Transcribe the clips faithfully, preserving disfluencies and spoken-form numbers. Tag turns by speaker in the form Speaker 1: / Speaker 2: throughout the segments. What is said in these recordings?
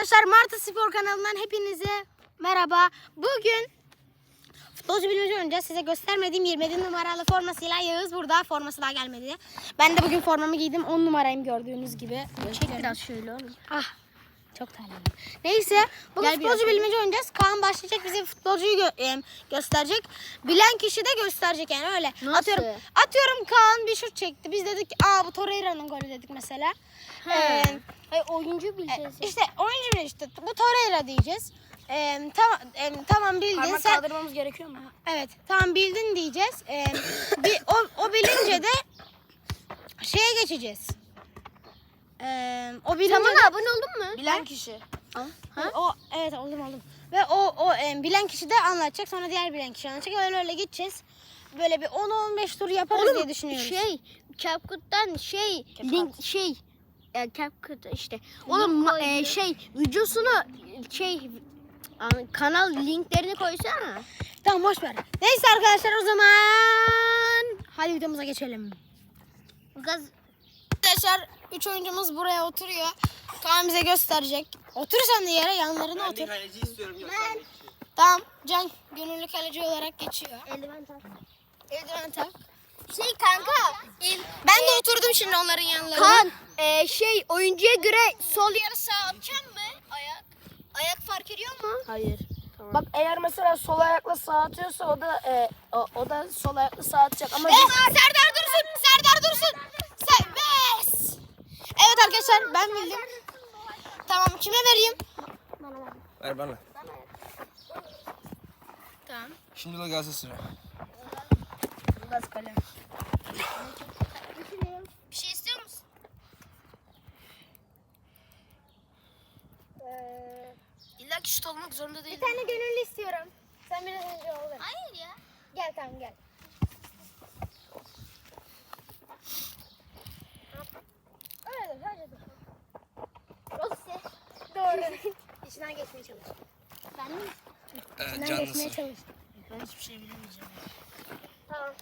Speaker 1: Arkadaşlar Martı Spor kanalından hepinize merhaba. Bugün futbolcu bilmece oynayacağız. Size göstermediğim yirmi yedi numaralı formasıyla Yağız burada. Forması daha gelmedi. Ben de bugün formamı giydim. on numarayım gördüğünüz gibi. Çek biraz şöyle oğlum. Ah. Çok terledim. Neyse, bugün Gel futbolcu bilmece oynayacağız. Kaan başlayacak, bize futbolcuyu gö e, gösterecek. Bilen kişi de gösterecek yani öyle.
Speaker 2: Nasıl?
Speaker 1: Atıyorum, atıyorum Kaan bir şut çekti. Biz dedik ki, aa bu Torreira'nın golü dedik mesela.
Speaker 2: He.
Speaker 1: Ee,
Speaker 2: Hayır, oyuncu bileceğiz.
Speaker 1: e, işte oyuncu mu işte bu Torreira diyeceğiz. Ee, tamam e, tamam bildin.
Speaker 2: Parmak
Speaker 1: Sen,
Speaker 2: kaldırmamız gerekiyor mu?
Speaker 1: evet tamam bildin diyeceğiz. Ee, bir, o, o bilince de şeye geçeceğiz. Ee, o bilince
Speaker 2: Tamam,
Speaker 1: de,
Speaker 2: abone oldun mu?
Speaker 1: bilen kişi.
Speaker 2: Ha?
Speaker 1: O evet oldum oldum. Ve o o e, bilen kişi de anlatacak, sonra diğer bilen kişi anlatacak. Öyle öyle gideceğiz. Böyle bir on on beş tur yaparız
Speaker 2: Oğlum,
Speaker 1: diye düşünüyoruz.
Speaker 2: Şey, CapCut'tan şey,
Speaker 1: CapCut.
Speaker 2: link şey, e, CapCut işte. Oğlum ma- e, şey, videosunu şey, a- kanal linklerini koysana.
Speaker 1: Tamam boş ver. Neyse arkadaşlar o zaman hadi videomuza geçelim.
Speaker 2: Gaz.
Speaker 1: Arkadaşlar üç oyuncumuz buraya oturuyor. Kaan bize gösterecek. Otur sen de yere, yanlarına otur.
Speaker 3: Ben kaleci istiyorum göstermek için.
Speaker 1: Tamam, Can gönüllü kaleci olarak geçiyor.
Speaker 2: Eldiven tak.
Speaker 1: Eldiven tak.
Speaker 2: Şey kanka,
Speaker 1: Ben de oturdum şimdi onların yanlarına.
Speaker 2: Kan, e, şey oyuncuya göre sol yarı sağ atacağım mı? Ayak. Ayak fark ediyor mu?
Speaker 4: Hayır. Bak eğer mesela sol ayakla sağ atıyorsa o da e, o, o da sol ayakla sağ atacak ama
Speaker 1: Eh, Serdar Dursun, Serdar Dursun. Serbest. Evet arkadaşlar ben bildim. Tamam, kime vereyim?
Speaker 3: Ver bana.
Speaker 1: Tamam.
Speaker 3: Şimdi de gelse sıra.
Speaker 1: Gaz kalem.
Speaker 2: Bir şey istiyor musun?
Speaker 4: illa ki şut olmak zorunda değil.
Speaker 1: Bir tane gönüllü istiyorum. Sen biraz önce ol.
Speaker 2: Hayır ya.
Speaker 1: Gel tamam gel. Öyle dur, öyle dur.
Speaker 2: Rossi.
Speaker 1: Doğru. İçinden geçmeye çalış.
Speaker 2: Ben mi?
Speaker 3: Evet,
Speaker 1: İçinden
Speaker 3: canlısı.
Speaker 1: geçmeye çalış.
Speaker 4: Ben hiçbir şey bilemeyeceğim.
Speaker 1: Tamam.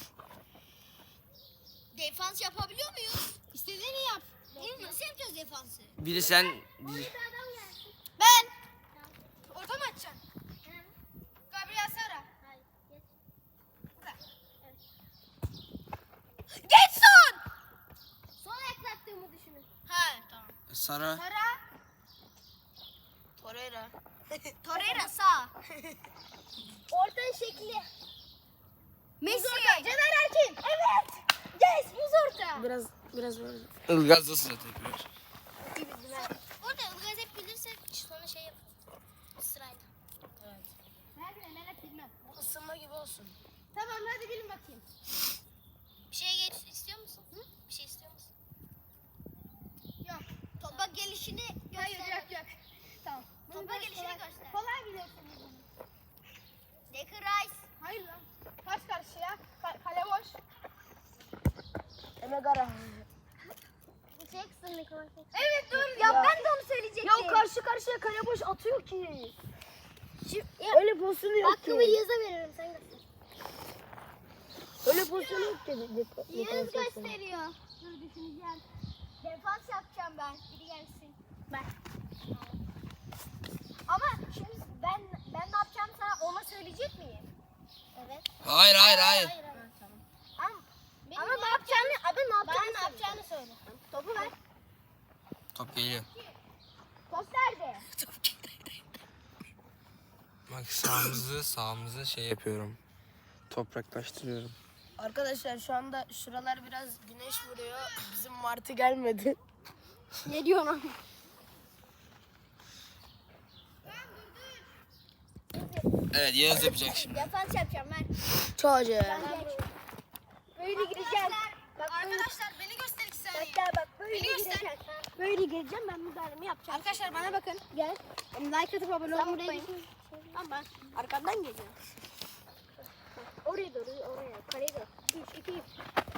Speaker 2: Defans yapabiliyor muyuz? İstediğini yap. Değil mi? Nasıl yapacağız defansı?
Speaker 3: Biri sen... Biri...
Speaker 1: Ben. Orta mı açacaksın? Gabriel Sara. Geç son.
Speaker 2: Sol ayak attığımı düşünün.
Speaker 1: Ha tamam.
Speaker 3: Sara.
Speaker 1: Sara.
Speaker 4: Torreira.
Speaker 2: Torreira sağ. Orta şekli. Messi.
Speaker 1: Caner Erkin. Evet. Yes, buz orta.
Speaker 4: Biraz biraz böyle.
Speaker 3: Ilgaz da sıra tekrar.
Speaker 2: Orada Ilgaz hep bilirse sonra şey yap. Sırayla.
Speaker 1: Ben de Mehmet bilmem.
Speaker 4: Bu ısınma gibi olsun.
Speaker 1: Tamam hadi bilin bakayım.
Speaker 2: Bir şey geç istiyor musun? Hı? Bir şey istiyor musun?
Speaker 1: Yok.
Speaker 2: Topa gelişini göster.
Speaker 1: Hayır yok yok. Tamam.
Speaker 2: Topa
Speaker 1: Bunu
Speaker 2: gelişini
Speaker 1: kolay-
Speaker 2: göster.
Speaker 1: Kolay biliyorsunuz bunu.
Speaker 2: Declan Rice.
Speaker 1: Hayır lan. Kaç karşıya? Ka- kale boş.
Speaker 4: Emegara.
Speaker 2: Jackson Nicholas.
Speaker 1: Evet doğru.
Speaker 2: Ya ben de onu söyleyecektim.
Speaker 4: Ya o karşı karşıya kale boş atıyor ki.
Speaker 2: Ya,
Speaker 4: Öyle pozisyonu yok
Speaker 2: hakkımı
Speaker 4: ki.
Speaker 2: Yağız'a veririm sen göster.
Speaker 4: Öyle pozisyonu yok ki.
Speaker 2: Yağız gösteriyor. Dur düşüneceğim. Defans yapacağım ben. Biri gelsin. Ben. Ama şimdi ben ben ne yapacağım sana ona söyleyecek miyim? Evet.
Speaker 3: Hayır hayır hayır.
Speaker 2: Hayır hayır. Tamam. Ama, ama ne yapacağını, abi ne yapacağını, ne yapacağını söyle. Topu ver.
Speaker 3: Top geliyor.
Speaker 2: Top nerede?
Speaker 3: Bak sağımızı sağımızı şey yapıyorum. Topraklaştırıyorum.
Speaker 4: Arkadaşlar şu anda şuralar biraz güneş vuruyor. Bizim Martı gelmedi.
Speaker 2: Ne diyorsun abi?
Speaker 3: Evet Yağız yapacak şimdi.
Speaker 2: Defans yapacağım ben.
Speaker 4: Çocuğu.
Speaker 2: Böyle gireceğim. Bak
Speaker 1: Arkadaşlar beni göster iki saniye.
Speaker 2: Hatta bak böyle
Speaker 1: Beni göster.
Speaker 2: gireceğim. Böyle gireceğim ben müdahalemi yapacağım.
Speaker 1: Arkadaşlar bana bakın.
Speaker 2: Gel.
Speaker 1: Like atıp abone
Speaker 2: Sen
Speaker 1: olmayı
Speaker 2: buraya
Speaker 1: unutmayın.
Speaker 2: git.
Speaker 4: Tamam ben arkadan geliyorum.
Speaker 2: Oraya doğru oraya. Kaleye doğru. üç, iki, üç.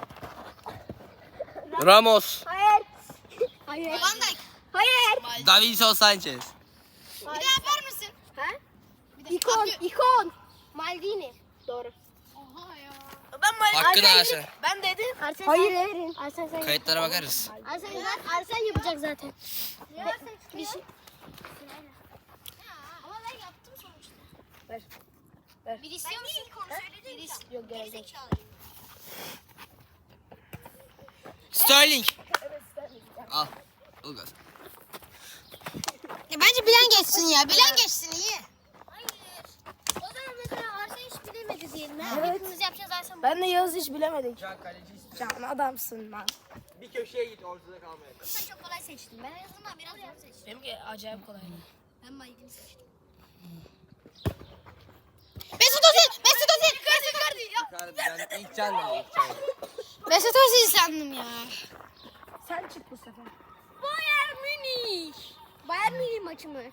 Speaker 3: Ramos.
Speaker 2: Hayır. Hayır.
Speaker 1: Van Dijk.
Speaker 2: Hayır.
Speaker 3: Davinson Sanchez.
Speaker 1: Bir daha yapar mısın?
Speaker 2: Ha?
Speaker 1: Bir de
Speaker 2: İkon. ikon. Maldini. Doğru.
Speaker 1: Oha ya.
Speaker 4: Ben Mali-
Speaker 3: Hakkını
Speaker 4: Arsen-
Speaker 3: Arsen.
Speaker 4: Ben dedim.
Speaker 2: Arsen
Speaker 4: Hayır
Speaker 2: sen-
Speaker 4: verin.
Speaker 2: Arsen sen.
Speaker 3: Kayıtlara bakarız.
Speaker 2: Arsen zaten Arsen yapacak zaten.
Speaker 1: Ya sen
Speaker 2: Bir şey. Ama ben yaptım sonuçta.
Speaker 4: Ver. Ver.
Speaker 2: Bir istiyor musun? Bir is-
Speaker 4: Yok gerek yok.
Speaker 3: Sterling.
Speaker 4: Evet Sterling.
Speaker 3: Al. Ilgaz.
Speaker 1: Ya bence bilen geçsin ya. Bilen geçsin iyi.
Speaker 2: Hayır. O zaman mesela Arsa hiç bilemedi diyelim. Ha?
Speaker 4: Evet.
Speaker 2: Hepimiz yapacağız Arsa.
Speaker 4: Ben de Yağız hiç bilemedik.
Speaker 3: Can kaleci istiyorum.
Speaker 4: Can adamsın lan.
Speaker 3: Bir köşeye git ortada kalmaya.
Speaker 2: Sen çok kolay seçtin. Ben en azından biraz zor seçtim.
Speaker 4: Benimki acayip kolay.
Speaker 2: Ben Mike'ini seçtim.
Speaker 1: Mesut Özil. Mesut Özil. Mesut Özil.
Speaker 3: Yukarı ben ilk can dedim. ilk can.
Speaker 1: Mesut Özil sandım ya.
Speaker 4: Sen çık bu sefer.
Speaker 2: Bayern Münih. Bayern Münih maçı mı?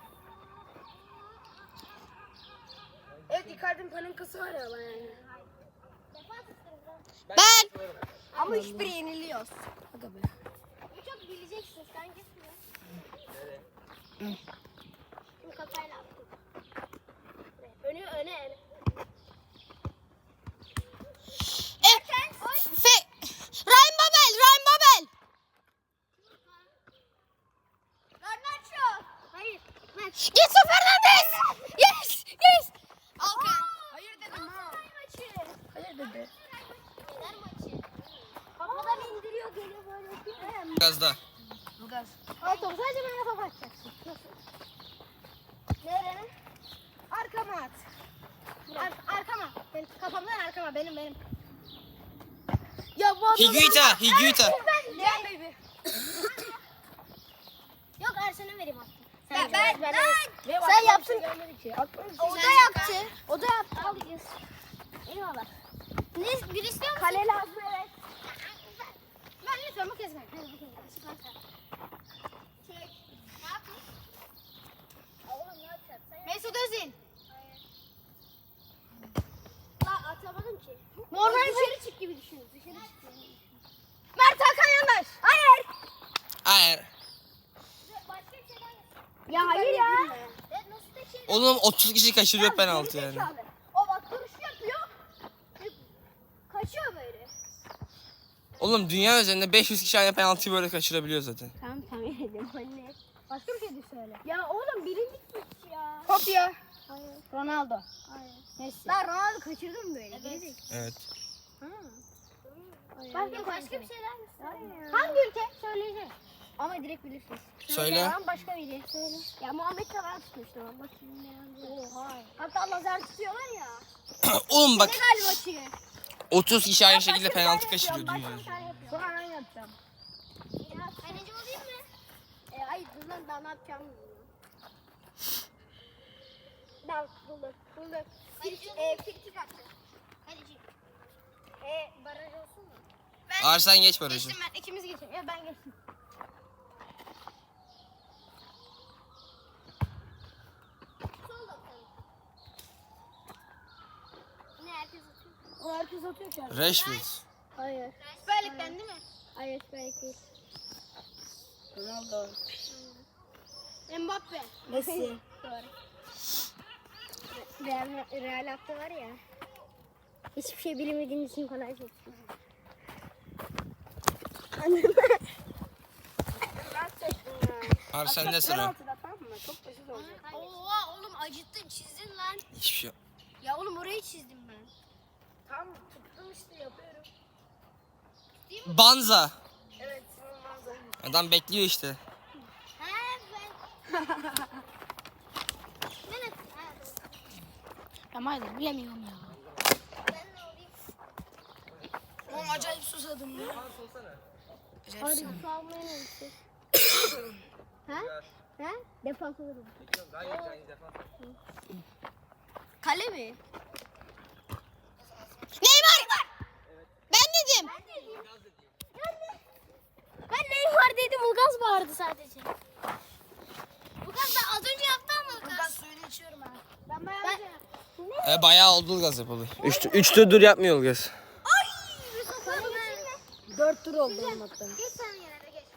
Speaker 4: Evet Icardi'nin paninkası var ya lan yani.
Speaker 1: Ben.
Speaker 2: Ama hiçbiri yeniliyoruz.
Speaker 4: Aga be.
Speaker 2: Bu çok bileceksin. Sen gitmiyor. Şimdi kafayla attım. Önü öne öne.
Speaker 1: E, fe, Ryan Babel. Ryan Babel.
Speaker 2: Garnacho. Hayır. Maç.
Speaker 1: Getson Fernandes. Yes. Yes. Alkan.
Speaker 4: Hayır dedim ha.
Speaker 2: Maçı.
Speaker 4: Hayır dedi.
Speaker 2: Neler maçı? Kafadan indiriyor geliyor böyle yapıyor.
Speaker 3: Ilgaz'da.
Speaker 4: Ilgaz.
Speaker 1: Al topu sadece bana topu atacaksın.
Speaker 2: Nereye?
Speaker 1: Arkama at. Ar- arkama. Benim, kafamdan arkama. Benim benim.
Speaker 2: Ya bu
Speaker 3: Higuita. Higuita.
Speaker 1: Gel baby.
Speaker 2: Yok Ersen'e vereyim hatta.
Speaker 1: Ben, ben, ben,
Speaker 4: Benim
Speaker 2: Sen
Speaker 4: aklıma
Speaker 2: yaptın.
Speaker 4: bir şey gelmedi ki. Aklıma bir şey
Speaker 2: O da
Speaker 4: gelmedi.
Speaker 2: yaptı. O da yaptı. Alacağız. Eyvallah. Ne? Bir istiyor musun?
Speaker 4: Kale lazım evet.
Speaker 1: ben lütfen bu kez ver.
Speaker 2: Hadi bakayım. Çıkarsa. Çek. Ne yapıyorsun? Oğlum ne yapacaksın? Sen yap.
Speaker 1: Mesut Özil.
Speaker 2: La atamadım ki.
Speaker 1: Normal
Speaker 2: Dışarı çık gibi düşün. Dışarı çık gibi düşün.
Speaker 1: Mert Hakan Yandaş.
Speaker 2: Hayır.
Speaker 3: Hayır.
Speaker 2: Başka bir şeyden yapsın.
Speaker 1: Ya hayır ya.
Speaker 2: Evet nasıl da şey.
Speaker 3: Oğlum otuz kişi kaçırıyor penaltı yani.
Speaker 2: Zekalı. O bak duruş yapıyor. Kaçıyor böyle.
Speaker 3: Oğlum dünya üzerinde beş yüz kişi aynı penaltıyı böyle kaçırabiliyor zaten.
Speaker 2: Tamam tamam dedim anne.
Speaker 1: Başka bir şey de söyle.
Speaker 2: Ya oğlum birinci maç ya.
Speaker 1: Kopya.
Speaker 2: Hayır.
Speaker 1: Ronaldo.
Speaker 2: Hayır.
Speaker 1: Messi.
Speaker 2: Lan Ronaldo kaçırdın mı böyle? Evet.
Speaker 3: Evet.
Speaker 2: Başka, başka bir şeyler mi? Hayır.
Speaker 1: Hangi ülke? Söyleyeceğim.
Speaker 2: Ama direkt bilirsin.
Speaker 3: Söyle.
Speaker 2: Tamam başka biri. Söyle. Ya Muhammed Salah tutmuştu ama bakayım ne oldu. Oha. Hatta lazer tutuyorlar ya.
Speaker 3: Oğlum bak
Speaker 2: Senegal maçı.
Speaker 3: otuz kişi aynı şekilde
Speaker 2: Başka bir
Speaker 3: penaltı
Speaker 2: tane
Speaker 3: kaçırıyor
Speaker 2: yapıyorum,
Speaker 3: dünya
Speaker 2: başka bir
Speaker 3: üzerinde.
Speaker 2: tane yapıyorum.
Speaker 4: Sonra ben yapacağım.
Speaker 2: Ya kaleci olayım mı? E, hayır dur lan daha ne yapacağımı bilmiyorum. Ben buldum. Buldum. Kaleci e, frikik attı. Kaleci. E, baraj olsun mu?
Speaker 3: Arsen geç barajı.
Speaker 1: Geçtim ben. İkimiz geçelim. Ya ben geçtim.
Speaker 2: Sol bakalım. Ne herkes atıyor?
Speaker 4: O herkes atıyor ki.
Speaker 3: Rashford.
Speaker 2: Hayır.
Speaker 1: Süper Lig'den değil mi?
Speaker 2: Hayır belki değil.
Speaker 4: Ronaldo.
Speaker 1: Mbappe.
Speaker 4: Messi.
Speaker 2: Doğru. Real, Real hatta var ya. Hiçbir şey bilemediğin için kolay seçtim. Anladın mı?
Speaker 4: Ben seçtim ya.
Speaker 3: Arsen'de sıra.
Speaker 4: Penaltıda tamam mı? Çok basit olacak.
Speaker 2: Oha oğlum acıttın çizdin lan.
Speaker 3: Hiçbir şey yok.
Speaker 2: Ya oğlum orayı çizdim ben.
Speaker 4: Tam tuttum işte yapıyorum.
Speaker 3: Banza.
Speaker 4: Evet Simon Manzara.
Speaker 3: Adam bekliyor işte.
Speaker 2: He ben. Ne ne? Ha,
Speaker 1: Ama hayır bilemiyorum ya.
Speaker 2: ben ne olayım?
Speaker 4: Oğlum acayip susadım ya. Acayip
Speaker 2: Hadi
Speaker 4: susadım.
Speaker 2: su almaya ne gittik? Ha? Ha? Defans olurum. Kale mi?
Speaker 1: Neymar. Ben dedim.
Speaker 2: Ben dedim. Ben Neymar dedim. Ulgaz bağırdı sadece. Ulgaz da az önce yaptı ama
Speaker 4: Ben
Speaker 2: Ulgaz.
Speaker 4: suyunu içiyorum ha.
Speaker 1: Ben bayağı
Speaker 2: Ben... Ne?
Speaker 3: E, bayağı oldu Ilgaz yapalı. Üç, üç dur yapmıyor Ilgaz.
Speaker 2: Ay! Kale mi?
Speaker 4: Dört tur oldu benim hatta.
Speaker 2: Geç sen yerine geç.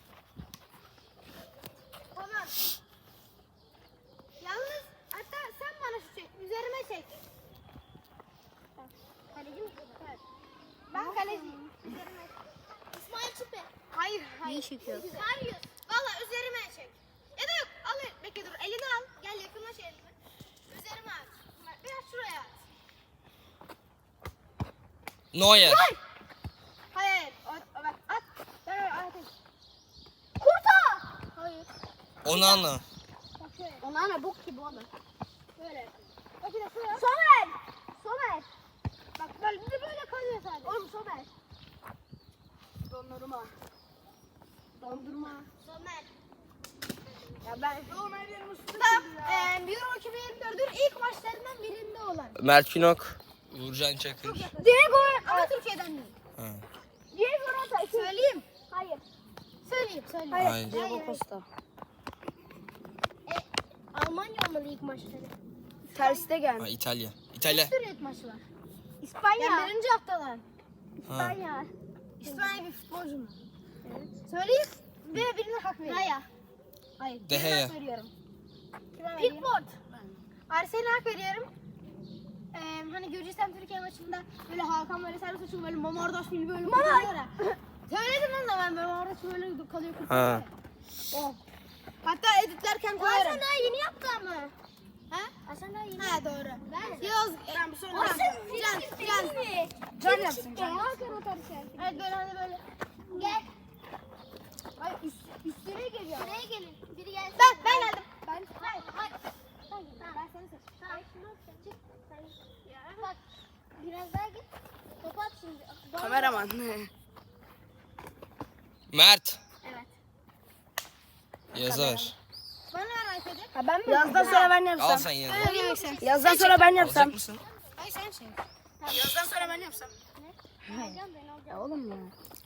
Speaker 1: Tamam. Yalnız hatta sen bana şu çek. Üzerime çek.
Speaker 2: Kaleci mi? Evet.
Speaker 1: Ben kaleciyim.
Speaker 2: İsmail Çipe.
Speaker 1: Hayır hayır.
Speaker 2: İyi çekiyor.
Speaker 1: Hayır. Valla üzerime çek. Ya da yok. Al bekle.
Speaker 3: Neuer.
Speaker 1: Hayır. O, o, bak at. Ben öyle atayım.
Speaker 2: Kurta. Hayır.
Speaker 3: Onana.
Speaker 1: Bak şöyle.
Speaker 2: Ona ana bok gibi oğlum.
Speaker 1: Böyle. Bak bir de şuraya.
Speaker 2: Somer. Somer.
Speaker 1: Bak böyle bir de böyle kalıyor sadece.
Speaker 2: Oğlum Somer.
Speaker 4: Dondurma.
Speaker 2: Dondurma.
Speaker 1: Somer.
Speaker 2: Ya ben
Speaker 4: Somer yerim üstüne.
Speaker 1: Tam eee Euro iki bin yirmi dördün ilk maçlarından birinde olan.
Speaker 3: Mert Günok. Uğurcan Çakır.
Speaker 1: Diego ama Türkiye'den değil.
Speaker 3: Ha.
Speaker 2: Diego Rota.
Speaker 1: Söyleyeyim.
Speaker 2: Hayır.
Speaker 1: Söyleyeyim, söyleyeyim.
Speaker 3: Hayır.
Speaker 1: Hayır,
Speaker 4: Diego
Speaker 1: hayır.
Speaker 4: Costa.
Speaker 1: Almanya olmalı ilk maçları.
Speaker 4: Terste gel.
Speaker 3: Ha, İtalya. İtalya.
Speaker 1: Bir sürü ilk maçı var.
Speaker 2: İspanya.
Speaker 1: Yani birinci haftalar.
Speaker 3: Ha.
Speaker 2: İspanya.
Speaker 1: İspanya bir futbolcu mu? Söyleyeyim ve birine hak veriyorum.
Speaker 2: Raya.
Speaker 1: Hayır.
Speaker 3: De
Speaker 1: birine
Speaker 3: Gea.
Speaker 1: hak veriyorum. Kime vereyim?
Speaker 2: Pickford.
Speaker 1: Arsenal'e hak veriyorum. Ee, hani Gürcistan Türkiye maçında böyle Hakan böyle servis açıyor böyle Mamardaş gibi böyle kurtarıyor ya. Söyledim lan da ben böyle Mamardaş böyle kalıyor kurtarıyor.
Speaker 3: Ha.
Speaker 1: O. Hatta editlerken koyarım.
Speaker 2: Arsenal daha yeni yaptı ama.
Speaker 1: Ha?
Speaker 2: Arsenal daha yeni.
Speaker 1: Ha doğru.
Speaker 2: Ben-
Speaker 1: Yaz.
Speaker 4: Ben bir sonra
Speaker 2: Arsenal
Speaker 1: Can, Can.
Speaker 2: mi?
Speaker 4: Can yapsın. Can.
Speaker 2: Hakan atarsa.
Speaker 1: Evet böyle hani böyle.
Speaker 2: Gel.
Speaker 1: Ay üst, üstüne geliyor.
Speaker 2: Buraya gelin. Biri gelsin.
Speaker 1: Ben, ben geldim.
Speaker 2: Ben. Hayır. Hayır.
Speaker 1: Sen gel. Ben seni seçtim.
Speaker 2: Hayır. Çık. Sen. Ya. Bak. Biraz daha git. Kapat şimdi. Bana-
Speaker 4: Kameraman.
Speaker 3: Mert.
Speaker 2: Evet.
Speaker 3: Yazar.
Speaker 1: Bana ver iPad'i.
Speaker 4: Ha ben mi? Yazdan sonra ben
Speaker 3: Al
Speaker 4: yapsam.
Speaker 3: sen yazar.
Speaker 1: Öyle demek sen.
Speaker 4: Yazdan sonra ben yapsam.
Speaker 3: Alacak mısın?
Speaker 1: Ay sen şey.
Speaker 4: Yazdan sonra ben yapsam.
Speaker 2: Alacağım ben alacağım.
Speaker 4: Ya oğlum ya.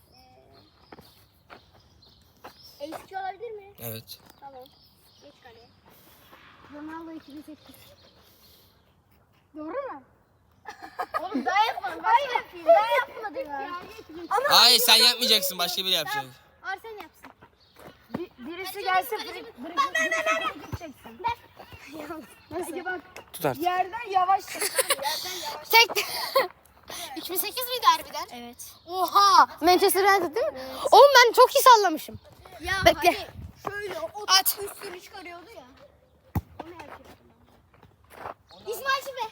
Speaker 2: Eski olabilir mi?
Speaker 3: Evet.
Speaker 2: Tamam. Geç kaleye.
Speaker 1: Ronaldo iki bin sekiz. Doğru mu?
Speaker 2: Oğlum daha yapmadım. Hayır yapayım. Daha yapmadım ya.
Speaker 3: Hayır sen yapmayacaksın. Başka biri yapacak.
Speaker 1: Arsen yapsın.
Speaker 4: Bir, birisi gelsin. Biri, biri, ben ben ben çeksin.
Speaker 1: Nasıl?
Speaker 4: Bak
Speaker 3: Tut artık.
Speaker 4: yerden yavaş çek. Yerden yavaş.
Speaker 1: Çekti. iki bin sekiz miydi harbiden?
Speaker 2: Evet.
Speaker 1: Oha! Manchester United değil mi? Oğlum ben çok iyi sallamışım.
Speaker 2: Ya
Speaker 1: Bekle.
Speaker 2: hani şöyle o
Speaker 1: At.
Speaker 2: üstünü çıkarıyordu ya. Onu yapıyordum. İsmail Şife.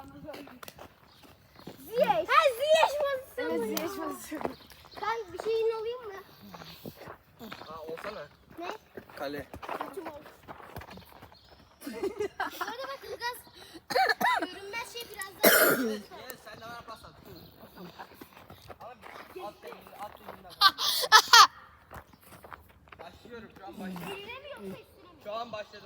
Speaker 2: Ziyech. Ha Ziyech pozisyonu.
Speaker 4: Evet, Ziyech pozisyonu.
Speaker 2: Ben bir şeyin alayım mı?
Speaker 3: Ha olsana.
Speaker 2: Ne?
Speaker 3: Kale.
Speaker 2: Kötü oldu. Şöyle bak Ilgaz. Görünmez şey biraz daha.
Speaker 3: Gel sen de bana pas at. Abi at elini, at elinden. Başlıyorum şu an başladım.
Speaker 2: Eline mi yoksa üstüne mi?
Speaker 3: Şu an başladım.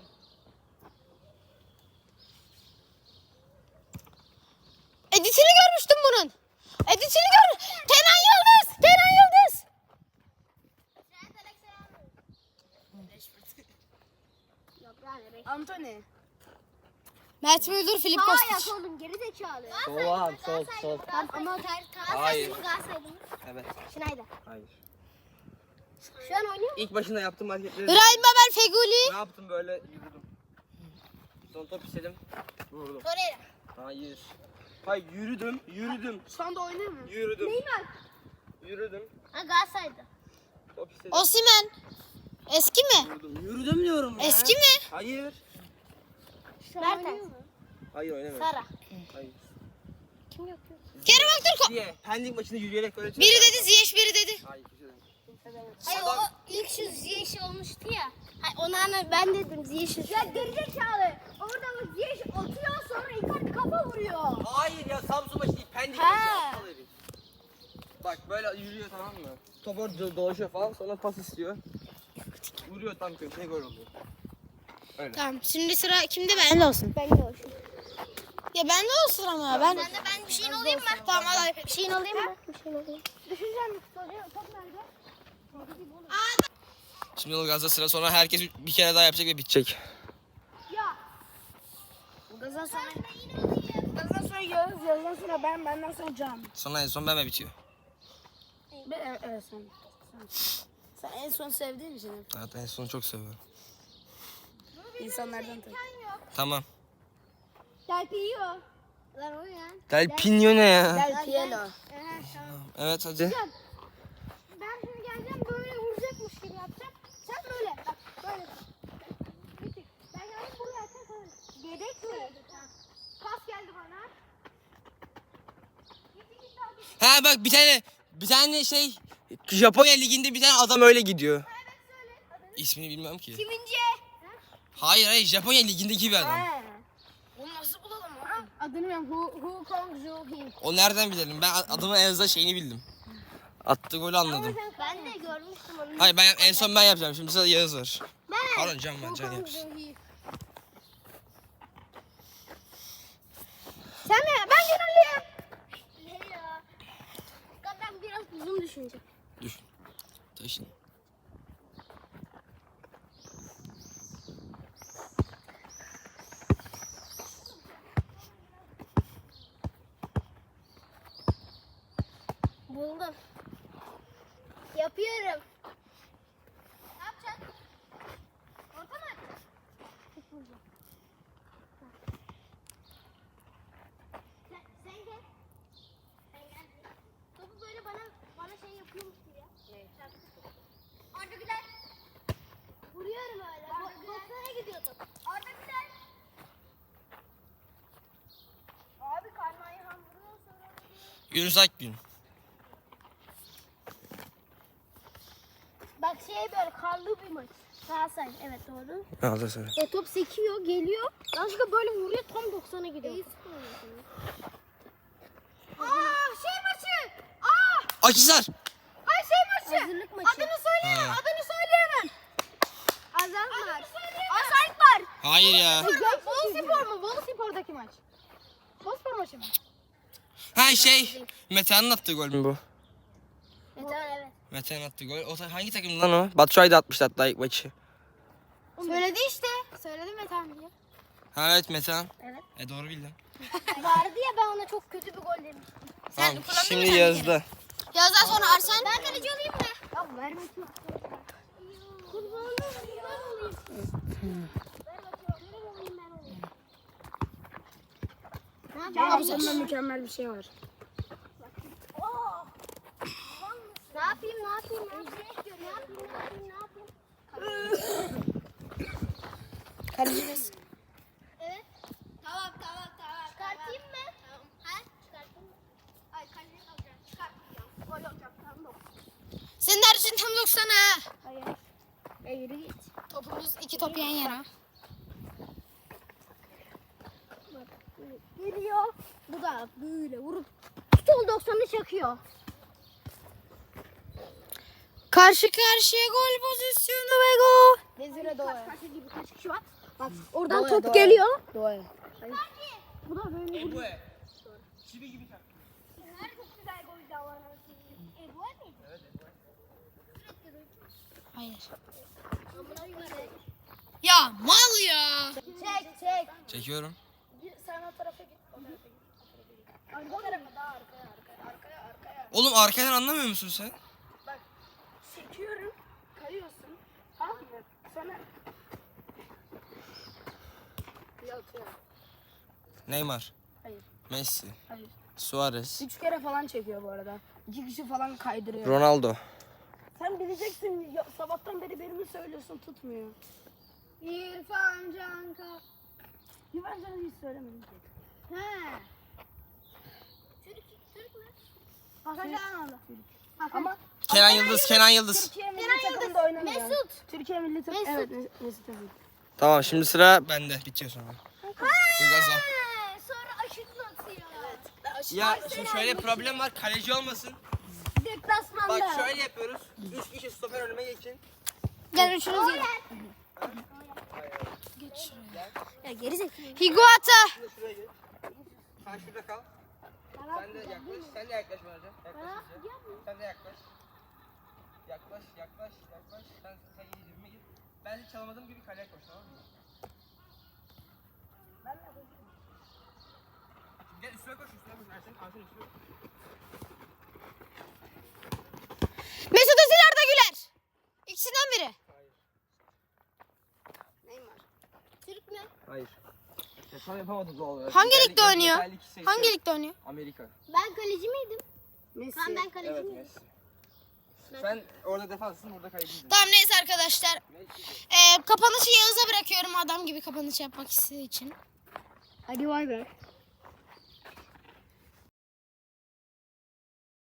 Speaker 1: Editini görmüştüm bunun. Editini gör. Kenan Yıldız. Kenan Yıldız.
Speaker 2: Yok yani.
Speaker 4: Anthony.
Speaker 1: Mert Müldür, Filip
Speaker 2: Hayır
Speaker 1: Kostic.
Speaker 2: oğlum geri zekalı.
Speaker 3: Sol sol sol.
Speaker 2: Ama Galatasaray
Speaker 3: Hayır.
Speaker 2: mı Galatasaray mı?
Speaker 3: Evet.
Speaker 2: Schneider.
Speaker 3: Hayır.
Speaker 2: Şu an oynuyor mu?
Speaker 3: İlk başında yaptığım hareketleri
Speaker 1: İbrahim Babel Feguli.
Speaker 3: ne yaptım böyle yürüdüm. Son top istedim. Vurdum.
Speaker 1: Torreira.
Speaker 3: Hayır. Hayır yürüdüm, yürüdüm,
Speaker 4: Şu anda oynuyor mu?
Speaker 3: yürüdüm.
Speaker 2: Neymar.
Speaker 3: Yürüdüm.
Speaker 2: Ha Galatasaray'da.
Speaker 3: Top istedim.
Speaker 1: Osimhen. Eski mi?
Speaker 3: Yürüdüm. Yürüdüm diyorum ya.
Speaker 1: Eski mi?
Speaker 3: Hayır.
Speaker 2: Şu an oynuyor mu?
Speaker 3: Hayır oynamıyorum.
Speaker 2: Sara.
Speaker 3: Hayır.
Speaker 2: Kim yapıyor?
Speaker 1: Kerem Aktürkoğlu.
Speaker 3: Diye Pendik maçında yürüyerek öyle
Speaker 1: Biri dedi Ziyech, biri dedi.
Speaker 3: Hayır kimse demedi.
Speaker 2: Hayır o ilk şu Ziyech olmuştu ya. Hayır ona ana ben dedim Ziyech. Ya gerizekalı. Orada bak Ziyech atıyor sonra Icardi kafa vuruyor.
Speaker 3: Hayır ya Samsun maçı değil Pendik
Speaker 2: Ha.
Speaker 3: maçı aptal herif. Bak böyle yürüyor tamam mı? Top orada do- dolaşıyor falan sonra pas istiyor. Vuruyor tam köşeye gol oluyor.
Speaker 1: Tamam şimdi sıra kimde ben? Bende olsun.
Speaker 2: Ben de olsun.
Speaker 1: Ya bende olsun ama ben.
Speaker 2: Sen de ben bir şeyin alayım mı?
Speaker 1: Tamam al.
Speaker 2: Bir şeyin alayım mı? Bir şeyin alayım. Düşüneceğim bir futbolcu. Top nerede?
Speaker 3: Şimdi Ilgaz'da sıra sonra herkes bir kere daha yapacak ve bitecek.
Speaker 4: Gazdan sonra Gazdan sonra Yağız, Yağız'dan sonra ben, benden sonra Can.
Speaker 3: Sonra en son ben ve bitiyor.
Speaker 4: Ben, evet, evet sen. Sen, sen en son sevdiğin için
Speaker 3: Evet en son çok seviyorum.
Speaker 4: insanlardan tabii.
Speaker 3: Tamam.
Speaker 2: Del Piero. Lan o ya.
Speaker 3: Del Pino ne ya?
Speaker 4: Del Piero.
Speaker 2: Aha, tamam.
Speaker 3: Evet hadi.
Speaker 2: Ben şimdi geleceğim böyle vuracakmış gibi yapacağım. Sen böyle bak böyle. Bir tık. Ben geldim buraya sen böyle. Yedek mi? Pas geldi bana. Git git git abi.
Speaker 3: Ha bak bir tane bir tane şey Japonya liginde bir tane adam öyle gidiyor. İsmini bilmem ki.
Speaker 2: Kimince?
Speaker 3: Hayır hayır Japonya ligindeki bir adam.
Speaker 4: Onu nasıl bulalım lan?
Speaker 2: Adını bilmiyorum. Hu, Hu Kong Joo Hee.
Speaker 3: O nereden bilelim? Ben adamın en azından şeyini bildim. Attığı golü anladım.
Speaker 2: Ben de görmüştüm onu.
Speaker 3: Hayır ben en son ben yapacağım. Şimdi sırada Yağız var.
Speaker 2: Ben.
Speaker 3: Pardon Can var.
Speaker 2: Hu
Speaker 3: Can
Speaker 2: Kong
Speaker 3: yapsın.
Speaker 2: Joo Hee.
Speaker 1: Sen de ben gönüllüyüm.
Speaker 2: Ne ya? Ben biraz uzun düşünecek.
Speaker 3: Düşün. Taşın.
Speaker 2: Buldum. Yapıyorum. Ne yapacaksın? Orta mı? Sen, sen gel. Sen gel. Topu böyle bana bana şey yapıyormuş gibi ya. Evet. Arda Güler. Vuruyorum öyle. doksan'a gidiyor top. Arda Güler. Abi Karnı Ayhan vuruyor sonra.
Speaker 3: Yunus Akgün.
Speaker 2: Bak şey böyle karlı bir maç. Galatasaray evet doğru.
Speaker 3: Galatasaray.
Speaker 2: E top sekiyor geliyor. Yanlışlıkla böyle vuruyor tam doksan'a gidiyor. Aa şey maçı. Aa
Speaker 3: Akhisar.
Speaker 2: ay şey maçı. Hazırlık maçı. Adını söyleyemem.
Speaker 3: Ha.
Speaker 2: Adını söyleyemem. Azal var. Asayt var.
Speaker 3: Hayır ya.
Speaker 1: Bolu Spor mu? Bolu Spor'daki maç. Bolu Spor maçı mı?
Speaker 3: Ha şey. Metehan'ın attığı gol mü bu?
Speaker 2: E tamam evet.
Speaker 3: Metehan attığı gol. O ta- hangi takım lan o? Batshuayi da atmıştı hatta ilk maçı.
Speaker 1: Söyledi işte. Söyledim Metehan diye.
Speaker 3: Ha evet Metehan.
Speaker 2: Evet.
Speaker 3: E doğru bildin.
Speaker 2: Vardı ya ben ona çok kötü bir gol demiştim.
Speaker 3: Tamam.
Speaker 1: kullandın mı
Speaker 3: Şimdi
Speaker 1: sen bir
Speaker 3: Yağız'da.
Speaker 1: Yazdan sonra Arsen.
Speaker 2: Ben kaleci olayım mı? Ya vermesin. Kurbanım ben olayım. Ver bakayım. Ver olayım ben olayım. Ne
Speaker 4: Abi
Speaker 2: yapayım?
Speaker 4: sonunda mükemmel bir şey var.
Speaker 2: Oh! Ne yapayım ne yapayım ne yapayım ne yapayım ne yapayım ne yapayım?
Speaker 4: Kaleci biz.
Speaker 2: Evet. Tamam tamam tamam. Çıkartayım mı? Tamam. Ha? Çıkartayım mı? Ay kaleci alacağım. Çıkartmayacağım. Gol olacak tamam.
Speaker 1: Senin dersin tam doksana.
Speaker 2: Hayır. E yürü git.
Speaker 1: Topumuz iki top yan yana.
Speaker 2: Geliyor. Bu da böyle vurup sol doksanı çakıyor.
Speaker 1: Karşı karşıya gol pozisyonu ve gol.
Speaker 2: Vezire doğru. Kaç kaç gibi kaç kişi var? Bak oradan
Speaker 4: Doğru,
Speaker 2: top
Speaker 4: doğru.
Speaker 2: geliyor.
Speaker 4: Doğru.
Speaker 2: Bu da böyle vuruyor.
Speaker 3: Ebue. Çivi gibi tak.
Speaker 2: Her çok güzel gol var. E bu ne?
Speaker 3: Evet Ebue.
Speaker 1: Hayır.
Speaker 2: Amına göre.
Speaker 1: Ya mal ya.
Speaker 2: Çek çek.
Speaker 3: Çekiyorum.
Speaker 2: Sen o tarafa git. O tarafa git. Arka tarafa daha arkaya arkaya arkaya arkaya.
Speaker 3: Oğlum arkadan anlamıyor musun sen?
Speaker 4: Çekiyorum. Kayıyorsun. Tamam mı? Sonra... Yok yok.
Speaker 3: Neymar.
Speaker 4: Hayır.
Speaker 3: Messi.
Speaker 4: Hayır.
Speaker 3: Suarez.
Speaker 4: Üç kere falan çekiyor bu arada. İki kişi falan kaydırıyor.
Speaker 3: Ronaldo.
Speaker 4: Sen bileceksin. Ya, sabahtan beri benim söylüyorsun tutmuyor.
Speaker 2: İrfan Canka.
Speaker 4: Güven canı hiç söylemedim ki.
Speaker 2: He. Türk Türk mü?
Speaker 4: Hakan
Speaker 2: Cananlı.
Speaker 4: Ama
Speaker 3: Kenan Yıldız, Kenan Yıldız.
Speaker 4: Türkiye milli takımda oynamıyor.
Speaker 2: Mesut.
Speaker 4: Türkiye milli takım.
Speaker 2: Mesut.
Speaker 4: Evet Mes- Mesut Özil.
Speaker 3: Tamam şimdi sıra bende. Bitiyor sonra. Ilgaz'a.
Speaker 2: He, sonra aşırtma atıyor. Evet.
Speaker 3: Ya şimdi şöyle problem var. Kaleci olmasın.
Speaker 2: Deplasmanda.
Speaker 3: Bak şöyle yapıyoruz. Üç kişi stoper önüme geçin.
Speaker 1: Gel üçünüz gelin.
Speaker 2: Ya geri zekalı.
Speaker 1: Higuata.
Speaker 3: Sen de şuraya geç. Sen şurada kal. Sen de yaklaş. Sen de yaklaş bence. Yaklaş iyice. Sen de yaklaş. Yaklaş, yaklaş, yaklaş. Sen sen iyice dibime git. Ben hiç çalamadığım gibi kaleye koş tamam mı? Gel üstüne koş, üstüne koş. Ersin, Ersin üstüne koş.
Speaker 1: Mesut Özil Arda Güler. İkisinden biri.
Speaker 2: Neymar. Türk mü?
Speaker 3: Hayır. Ya tam yapamadık doğal olarak.
Speaker 1: Hangi
Speaker 3: Liderlik-
Speaker 1: ligde oynuyor?
Speaker 3: liderlik seçti.
Speaker 1: Hangi ligde oynuyor?
Speaker 3: Amerika.
Speaker 2: Ben kaleci miydim?
Speaker 4: Messi.
Speaker 2: Ben ben kaleci
Speaker 3: Evet
Speaker 2: miydim?
Speaker 3: Messi. Sen orada defanssın, burada kalecisin.
Speaker 1: Tamam neyse arkadaşlar. Ee, kapanışı Yağız'a bırakıyorum adam gibi kapanış yapmak istediği için.
Speaker 2: Hadi bay bay.